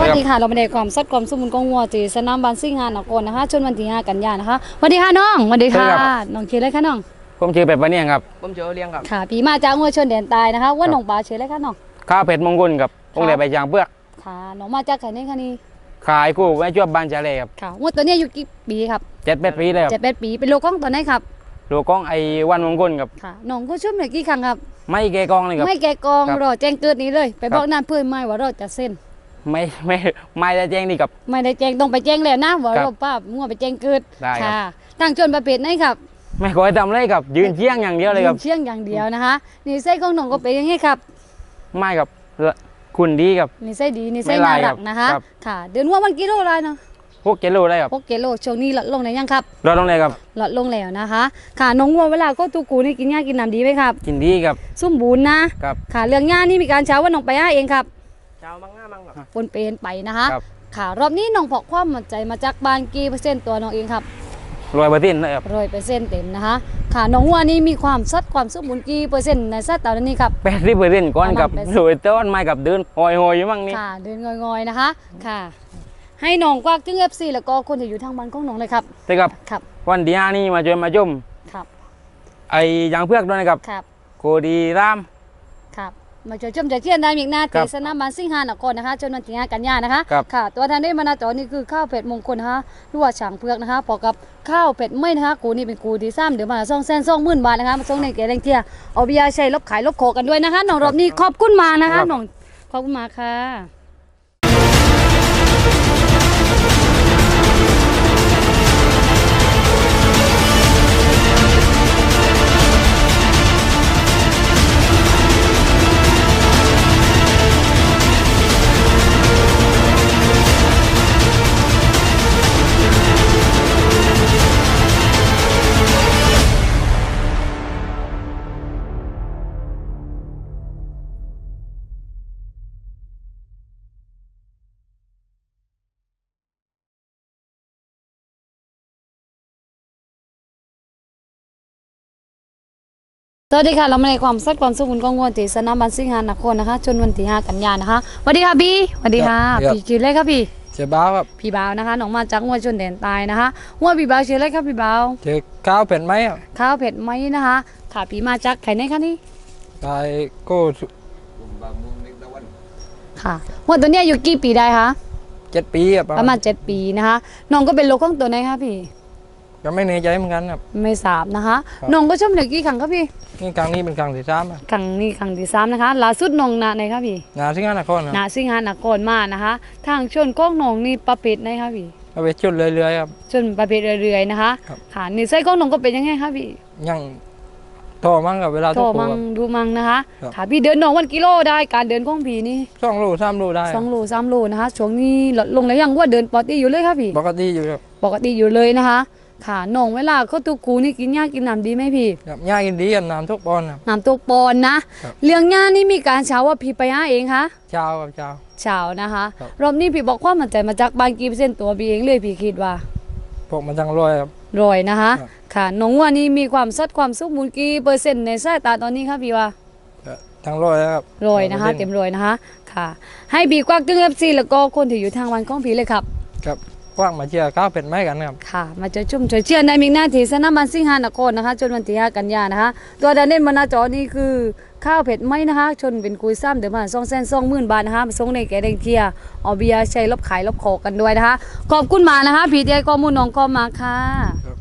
วัสดีค่ะเราไม่ได้ความสัดความสมบูรณ์ของวัวที่สนามบานซิ่งงานนครนะคะจนวันที่5 กันยายนนะคะสวัสดีค่ะน้องสวัสดีค่ะน้องชื่ออะไรคะน้องผมชื่อเป็ดปะเนี่ยครับผมชื่อเลี้ยงครับค่ะพี่มาจากวัวชนแดนใต้นะคะว่าน้องปลาชื่ออะไรคะน้องข้าวเป็ดมงคลกับองค์เดชใบยางเปลือกค่ะน้องมาจากไหนคะนี่ขายกู้ไว้ช่วยบ้านเจริญครับค่ะวัวตัวนี้อายุกี่ปีครับ 7-8 ปีเลยครับ 7-8 ปีเป็นโลกของตัวไหนครับลูกของไอ้วันมงคลครับค่ะน้องก็ชุ่มเลยกี่ครั้งครับไม่แกกองเลยครับไม่แกกองรอแจ้งเกิดนี้เลยไปบอกนั่นเพื่อนไม่ว่าเราจะเส้นไม่ได้แจ้งนี่กับไม่ได้แจ้งต้องไปแจ้งแล้วนะว่าเราป้างัวไปแจ้งเกิดค่ะตั้งชนประเภทไหนครับไม่ขอให้ทำเลยครับยืนเชี่ยงอย่างเดียวเลยครับเชี่ยงอย่างเดียวนะคะนี่ไส้ของน้องก็เป็นยังไงครับไม่ครับคุณดีครับนี่ไส้ดีนี่ไส้น่ารักนะคะค่ะเดือนว่าวันกิโลอะไรเนาะ 6 กิโลได้ครับ 6 กิโลช่วงนี้ลดลงไหนยังครับลดลงเลยครับลดลงแล้วนะคะค่ะน้องวัวเวลาก็ตูกูนี่กินหญ้ากินน้ำดีไหมครับกินดีครับสมบูรณ์นะครับค่ะเรื่องหญ้านี่มีการเช้าว่าน้องไปหาเองครับเช้ามั่งง่ามั่งครับปนเปนไปนะคะค่ะรอบนี้น้องพกความมั่นใจมาจากบ้านกี่เปอร์เซ็นต์ตัวน้องเองครับ 100%เลยครับ 100%เต็มนะคะค่ะน้องวัวนี่มีความสัดความสมบูรณ์กี่เปอร์เซ็นต์ในสัดตอนนี้ครับ 80%ก่อนกับสวยต้นไม้กับเดินหอยอยู่มั่งนี่ค่ะเดินงอยๆนะคะค่ะให้น้องกวักถึง FC แล้วก็คนที่อยู่ทางบ้านของน้องเลยครับแต่ครับวันที่5นี่มาช่วยมาชมครับไอ้ยางเพือกด้วยนะครับครับโคดีรามครับมาช่วยชมจากเที่ยนได้อีกหน้าที่สนามบานซิ่งฮานครนะคะจนวันที่5 กันยายนนะคะค่ะตัวทานได้มานาจอนี่คือข้าวเป็ดมงคลนะคะหรือว่าฉางเพือกนะคะพอกับข้าวเป็ดไม่นะคะกูนี่เป็นกูที่3เดี๋ยวมา220,000 บาทนะคะมาส่งในเกแรงเที่ยเอาเบียร์ใช้ลบขายลบโขกันด้วยนะคะน้องรอบนี้ขอบคุณมานะคะน้องขอบคุณมาค่ะสวัสดีค่ะเรามาในความสัดความสมบูรณ์ของวัวที่สนามบานซิ่งฮานครนะคะจนวันที่5 กันยายนนะคะสวัสดีค่ะพี่สวัสดีค่ะพี่ชื่ออะไรครับพี่ชื่อบ้าวครับพี่บ่าวนะคะน้องมาจากวัวชนแดนใต้นะคะวัวพี่บ่าวชื่ออะไรครับพี่บ่าวชื่อข้าวเผ็ดไหมครับข้าวเผ็ดไหมนะคะค่ะพี่มาจากไหนคะนี่ไปโก้ค่ะวัวตัวนี้อยู่กี่ปีได้คะ 7 ปีครับประมาณ7 ปีนะคะน้องก็เป็นโลของตัวไหนคะพี่ก็ไม่แน่ใจเหมือนกันครับไม่ทราบนะคะน้องก็ชมเหลือกี่ครั้งครับพี่นี่ครั้งนี้เป็นครั้งที่3 ครั้งนี้ครั้งที่3นะคะล่าสุดน้องนาไหนครับพี่นาซิงหานครนาซิงหานครมานะคะทางชนก้องน้องนี่ประเภทไหนครับพี่ประเภทชนเรื่อยๆครับชนประเภทเรื่อยๆนะคะค่ะนี่ไส้ก้องน้องก็เป็นยังไงครับพี่ยังโตมั่งกับเวลาโตมั่งดูมั่งนะคะค่ะพี่เดินน้องวันกิโลได้การเดินของพี่นี่ 2 โล 3 โลได้ 2 โล 3 โลนะคะช่วงนี้ลดลงแล้วยังว่าเดินปกติอยู่เลยครับพี่ปกติอยู่ครับปกติอยู่เลยนะคะค่ะน้องเวลาเขาตุกูนี่กินหญ้ากินน้ำดีไหมพี่หญ้ากินดีกับน้ำทุกปอนครับน้ำทุกปอนนะเลี้ยงหญ้านี่มีการเช้าว่าพี่ไปหาเองคะเช้าครับเช้านะคะรอบนี้พี่บอกความมั่นใจมาจากบางกี่เปอร์เซ็นต์ตัวพี่เองเลยพี่คิดว่าพวกมันจังรอยครับรอยนะคะค่ะน้องว่านี่มีความสัดความสมบูรณ์กี่เปอร์เซ็นต์ในสายตาตอนนี้ครับพี่ว่าทั้งรอยครับรอยนะคะเต็มรอยนะคะค่ะให้บีกวักตึงFCแล้วก็คนที่อยู่ทางวันของพี่เลยครับครับกว้างมาเชียร์ข้าวเป็ดไหมกันครับค่ะมาเจอชุ่มเชียร์ในมิกหน้าที่สนามบานซิ่งฮานครนะคะจนวันที่5 กันยายนนะคะตัวดานเน้นมานาจอนี่คือข้าวเผ็ดไหมนะคะชนเป็นกุยซ้ำเดี๋ยวมา220,000 บาทนะคะมาส่งในแกแดงเทียเอาเบียร์ใช้ลบขายลบโขกันด้วยนะคะขอบคุณมานะคะพี่เดียก็มูน้องก็มาค่ะ